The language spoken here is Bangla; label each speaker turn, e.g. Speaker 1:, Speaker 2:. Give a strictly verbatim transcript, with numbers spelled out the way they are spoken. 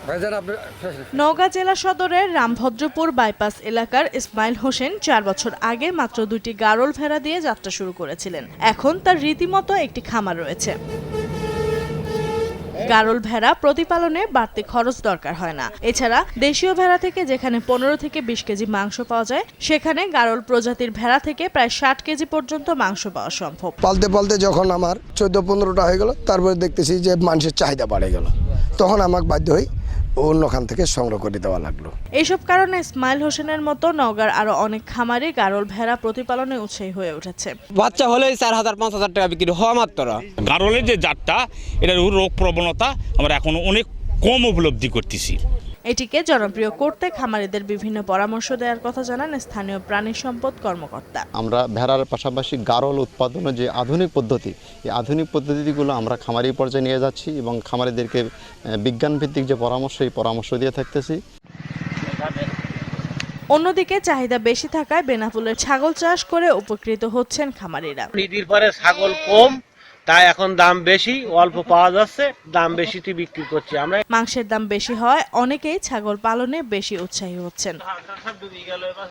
Speaker 1: নওগাঁ জেলা সদরের রামভদ্রপুর বাইপাস এলাকার ইসমাইল হোসেন চার বছর আগে মাত্র দুটি গারল ভেড়া দিয়ে যাত্রা শুরু করেছিলেন। এখন তার রীতিমতো একটি খামার রয়েছে। গারল ভেড়া প্রতিপালনে বাড়তি খরচ দরকার হয় না। এছাড়া দেশীয় ভেড়া থেকে যেখানে পনেরো থেকে বিশ কেজি মাংস পাওয়া যায়, সেখানে গারল প্রজাতির ভেড়া থেকে প্রায় ষাট কেজি পর্যন্ত মাংস পাওয়া সম্ভব।
Speaker 2: পালতে পালতে যখন আমার চোদ্দ পনেরোটা হয়ে গেল, তারপরে দেখতেছি যে মানুষের চাহিদা বাড়ে গেল, তখন আমাকে বাধ্য হই অন্যখান থেকে সংগ্রহ করে দেওয়া লাগলো।
Speaker 1: এইসব কারণে ইসমাইল হোসেনের মতো নওগাঁর আরো অনেক খামারি গারল ভেড়া প্রতিপালনে উৎসাহী হয়ে উঠেছে।
Speaker 3: বাচ্চা হলেই চার হাজার পাঁচ হাজার টাকা বিক্রি হওয়া মাত্র।
Speaker 4: গারলের যে জাতটা, এটার রোগ প্রবণতা আমরা এখন অনেক কম উপলব্ধি করতেছি।
Speaker 1: এটিকে জনপ্রিয় করতে খামারিদের বিভিন্ন পরামর্শ দেওয়ার কথা জানান স্থানীয় প্রাণী সম্পদ কর্মকর্তা।
Speaker 5: আমরা ভেড়ার পাশাপাশি গারল উৎপাদনের যে আধুনিক পদ্ধতি, এই আধুনিক পদ্ধতিগুলো আমরা খামারি পর্যায়ে নিয়ে যাচ্ছি এবং খামারিদেরকে বিজ্ঞানভিত্তিক যে পরামর্শ, এই পরামর্শ দিয়ে থাকতেছি।
Speaker 1: অন্যদিকে চাহিদা বেশি থাকায় বেনাপোলের ছাগল চাষ করে উপকৃত হচ্ছেন খামারিরা।
Speaker 6: ঈদের পরে ছাগল কম, তাই এখন দাম বেশি, অল্প পাওয়া যাচ্ছে, দাম বেশিতে বিক্রি করছি আমরা।
Speaker 1: মাংসের দাম বেশি হয় অনেকেই ছাগল পালনে বেশি উৎসাহী হচ্ছেন।